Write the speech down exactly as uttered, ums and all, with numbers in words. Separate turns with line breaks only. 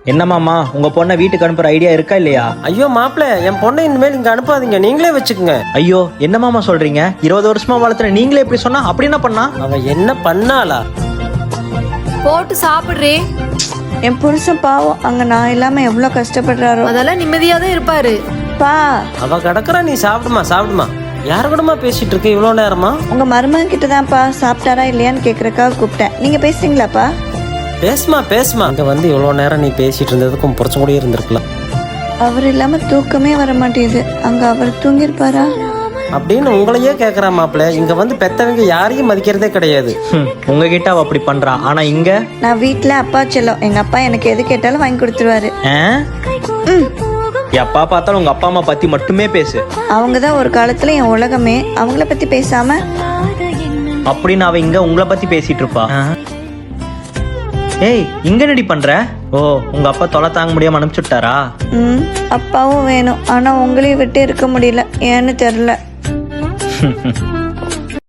என்ன மாமா, உங்க பொண்ணை வீட்டுக்கு அனுப்புற ஐடியா இருக்கா இல்லையா?
ஐயோ மாப்பிள்ள, என் பொண்ணை இனிமேல் இங்க அனுப்பாதீங்க, நீங்களே வச்சுக்கோங்க.
ஐயோ என்ன மாமா சொல்றீங்க? இருபது வருஷமா வளர்த்துற நீங்களே இப்படி சொன்னா அப்படி என்ன பண்ணா?
அவ என்ன பண்ணாளா?
போட்டு சாப்பிடுறே.
என் புருஷன் பாவம், அங்க நான் இல்லாம எவ்வளவு கஷ்டப்படுறாரோ.
அதெல்லாம் நிம்மதியா தான் இருப்பாரு.
பா,
அவ கிடக்குறா, நீ சாப்பிடுமா சாப்பிடுமா. யாரு கூடமா பேசிட்டு இருக்க இவ்வளவு நேரமா?
உங்க மருமகன் கிட்ட தான்ப்பா சாப்பிட்டாரா இல்லையான்னு கேக்குறக்காக கூப்பிட்டேன். நீங்க பேசுறீங்களாப்பா?
பேசுமா பேசுமா. இங்க வந்து இவ்வளவு நேரம் நீ பேசிட்டு இருந்ததுக்கும் புடிச்ச கூட இருந்திருக்கலாம்.
அவர் இல்லாம தூக்கமே வர மாட்டேங்குது. அங்க அவர் தூங்கிருப்பாரா
அப்படின்னு உங்களையே கேக்குறா மாப்பிள்ள. இங்க வந்து பெத்தவங்க யாரையும் மதிக்கிறதே கிடையாது.
உங்ககிட்ட அவ அப்படி பண்றா, ஆனா இங்க
நான் வீட்டுல அப்பா செல்லம். எங்க அப்பா எனக்கு எது கேட்டாலும் வாங்கி கொடுத்துருவாரு.
எப்பா பார்த்தாலும் உங்க அப்பா அம்மா பத்தி மட்டுமே பேசு.
அவங்கதான் ஒரு காலத்துல என் உலகமே. அவங்கள பத்தி பேசாம
அப்படின்னு அவ இங்க உங்களை பத்தி பேசிட்டு இருப்பா. ஏய், இங்க நடி பண்ற? ஓ, உங்க அப்பா தொலை தாங்க முடியாம அனுப்பிச்சுட்டாரா?
ம் அப்பாவும் வேணும், ஆனா உங்களையும் விட்டு இருக்க முடியல. ஏன்னு தெரியல.